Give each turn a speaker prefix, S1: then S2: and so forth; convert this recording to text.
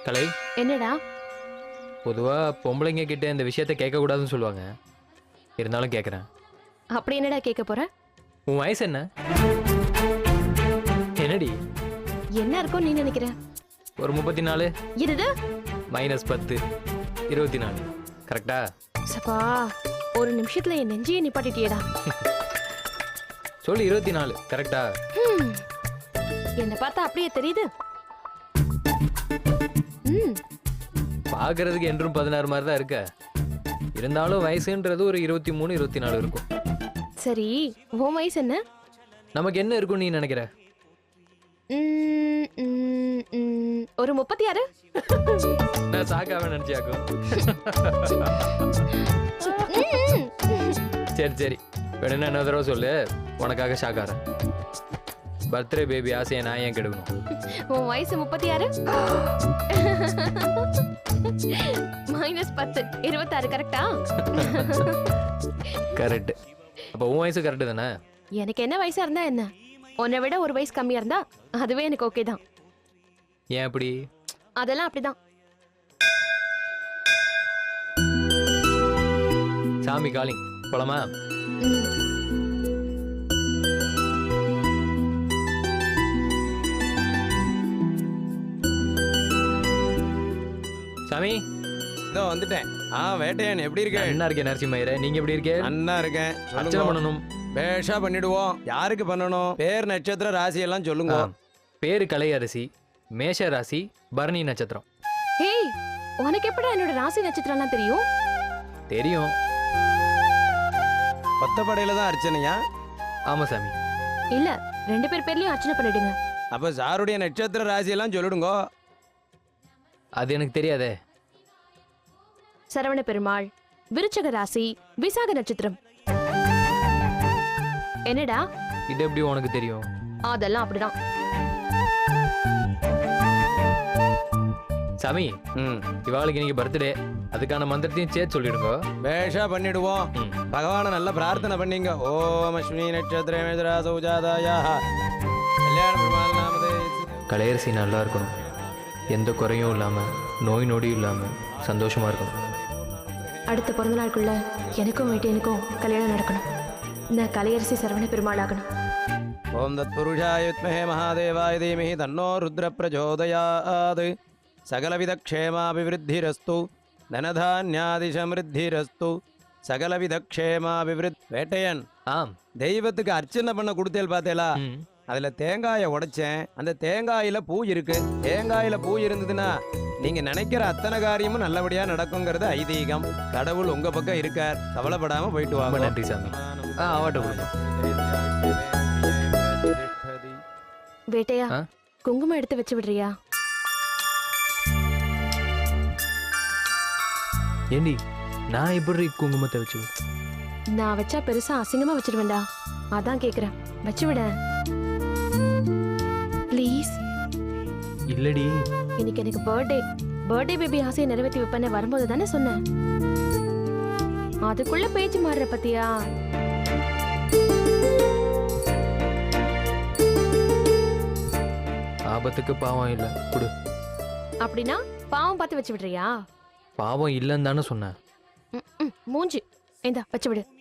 S1: கலை,
S2: என்னடா?
S1: பொதுவா பொம்பளைங்க கிட்ட இந்த விஷயத்த கேட்கக்கூடாதுன்னு சொல்லுவாங்க. இருந்தாலும் கேட்குறேன்.
S2: அப்படி என்னடா கேட்க போற?
S1: உன் வயசு என்ன? என்னடி?
S2: என்ன இருக்கும் நீ நினைக்கிற?
S1: ஒரு 34
S2: இது
S1: -10 24. கரெக்டா?
S2: சப்பா, ஒரு நிமிஷத்துல என் நெஞ்சியை நிப்பாட்டிட்டியேடா.
S1: சொல்லு 24. கரெக்டா?
S2: என்ன பார்த்தா அப்படியே தெரியுது.
S1: பார்க்கறதுக்கு என்றும் 16 மாதிரி தான் இருக்க. இருந்தாலும் வயசுன்றது ஒரு 23 24 இருக்கும்.
S2: சரி, உன் வயசு என்ன?
S1: நமக்கு என்ன இருக்கும் நீ நினைக்கிற?
S2: ஒரு 36.
S1: நான் சாக்காம நினைச்சியாக்கும். சரி சரி, வேணும்னா என்ன தடவை சொல்லு, உனக்காக ஷாக்காரன். பர்த்டே பேபி ஆசையை நான் ஏன் கெடுக்கணும்?
S2: உன் வயசு 36 -10 26. கரெக்டா?
S1: கரெக்ட். அப்போ உன் வயசு கரெக்டு தானே?
S2: எனக்கு என்ன வயசா இருந்தா என்ன? உன்னை விட ஒரு வயசு கம்மியா இருந்தா அதுவே எனக்கு ஓகே தான்.
S1: ஏன் அப்படி?
S2: அதெல்லாம் அப்படிதான்.
S1: சாமி காலிங், போலாமா? சாமி
S3: இதோ வந்துட்டேன். வேட்டையன் எப்படி இருக்க?
S1: என்ன இருக்கேன் நரசிம்மயிர, நீங்க எப்படி இருக்கே?
S3: அண்ணா இருக்கேன்.
S1: அர்ச்சனை பண்ணணும்.
S3: பேஷா பண்ணிடுவோம். யாருக்கு பண்ணணும்? பேர், நட்சத்திர, ராசி எல்லாம் சொல்லுங்க.
S1: பேரு கலையரசி, மேஷ ராசி, பரணி நட்சத்திரம்.
S2: ஹேய், உனக்கு எப்படா என்னோட ராசி நட்சத்திரம்லாம் தெரியும்?
S1: தெரியும்.
S3: கொத்தப்படையில தான் அர்ச்சனையா?
S1: ஆமா சாமி.
S2: இல்ல, 2 பேர் பேர்லயும் அர்ச்சனை பண்ணிடுங்க.
S3: அப்ப சாருடைய நட்சத்திர ராசி எல்லாம் சொல்லிடுங்க.
S1: அது எனக்கு தெரியாதே.
S2: சரவண பெருமாள், விருச்சக ராசி, விசாக நட்சத்திரம். என்னடா?
S1: இது எப்படி உனக்கு தெரியும்?
S2: அதெல்லாம் அப்படிதான்.
S1: சாமி, இவாளுக்கு இன்னைக்கு பர்த்டே, அதுக்கான மந்திரத்தையும் சேர்த்து சொல்லிடுங்க.
S3: பேஷா பண்ணிடுவோம். பகவான நல்ல பிரார்த்தனை பண்ணீங்க. ஓம் அஸ்வினி நட்சத்திர மேதரா சௌஜாதாயா கல்யாண பெருமாள் நாமதே.
S1: கலையரசி நல்லா இருக்கணும், எந்த குறையும் இல்லாம, நோய் நொடியும் இல்லாம சந்தோஷமா இருக்கணும்.
S2: அடுத்த பிறந்த நாளுக்குள்ள எனக்கும் வேட்டையனுக்கும் கல்யாணம் நடக்கணும். நான் கலையரசி சரவண பெருமாள் ஆகணும்.
S3: ஓம் தத் புருஷாய வித்மஹே மகாதேவாய தீமஹி தன்னோ ருத்ர பிரச்சோதயாத். சகலவித க்ஷேமாபிவிருத்திரஸ்து தனதான்யாதி சமிருத்திரஸ்து சகலவித க்ஷேமாபிவிருத். வேட்டையன்,
S1: ஆம்.
S3: தெய்வத்துக்கு அர்ச்சனை பண்ண கொடுத்தேல் பார்த்தேலா? அதுல தேங்காயை உடைச்சேன். அந்த தேங்காயில பூ இருக்கு. தேங்காயில பூ இருந்ததுன்னா நீங்க நினைக்கிற அத்தனை காரியமும் நல்லபடியா நடக்குங்கிறது ஐதீகம். கடவுள் உங்க பக்கம் இருக்கார், கவலைப்படாம போயிட்டு வாங்க.
S1: நன்றி சாமி. ஆவாட்ட கொடுங்க.
S2: வேட்டையா, குங்குமம் எடுத்து வச்சு விடுறியா?
S1: ஏண்டி, நான் எப்படி குங்குமத்தை வச்சு?
S2: நான் வச்சா பெருசா அசிங்கமா வச்சிருவேன்டா, அதான் கேக்குறேன். வச்சு விட ப்ளீஸ்.
S1: இல்லடி,
S2: இன்னைக்கு எனக்கு பர்த்டே பேபி ஆசையை நிறைவேற்றி வைப்பேன்னு வரும்போது தானே சொன்னேன். அதுக்குள்ள பேச்சு மாறுற பத்தியா?
S1: ஆபத்துக்கு பாவம் இல்ல, கொடு.
S2: அப்படின்னா பாவம் பார்த்து வச்சு விடுறியா?
S1: பாவம் இல்லைன்னு தானே சொன்னேன்.
S2: மூஞ்சி இந்தா வச்சு விடு.